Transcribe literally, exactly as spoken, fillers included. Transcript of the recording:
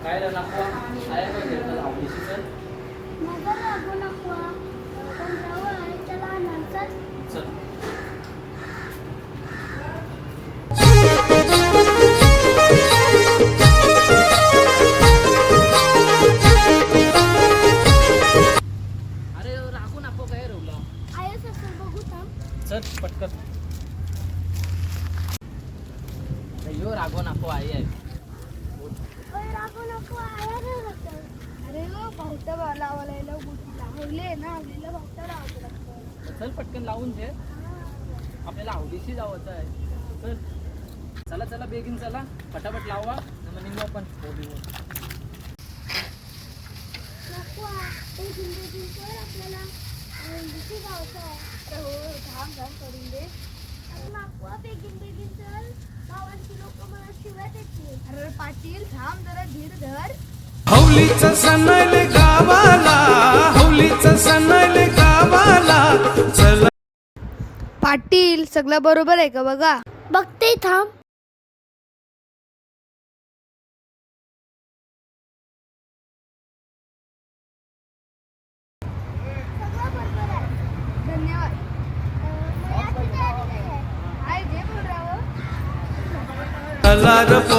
काय रे नको आया काय खेळतात आवडीशी तर मगर लागू नको पण जवळ आहे त्याला नंतर चल अरे राखू नको काय रवला आयस असं बघू थांब चल पटकन यो रागो नको आई आहे ओय लागू नको आया रे होतं अरे हो बहुता लावायला लावले ना आपल्याला बहुता लावायचं लागतं चल पटकन लावून दे आपल्याला आवडीशी जावचं आहे चल चला चला बेगीन चला फटाफट लावा मग निघू आपण बोलू नको ते जिंदगी कर आपल्याला दुसरी गावचं आहे हो धाम धाम करून दे नको बेगीन बेगीन चल गावांची लोक मला शिव्या देतील अरे पाटील थांब जरा धीर धर हौलीचं सणाले गावाला हौलीचं सणाले गावाला चला पाटील सगळं बरोबर आहे का बघा बघते थांब सगळं बरोबर आहे धन्यवाद अं, मला तिथे आधी नाही आहे आहे जे बोल रहा हो चला र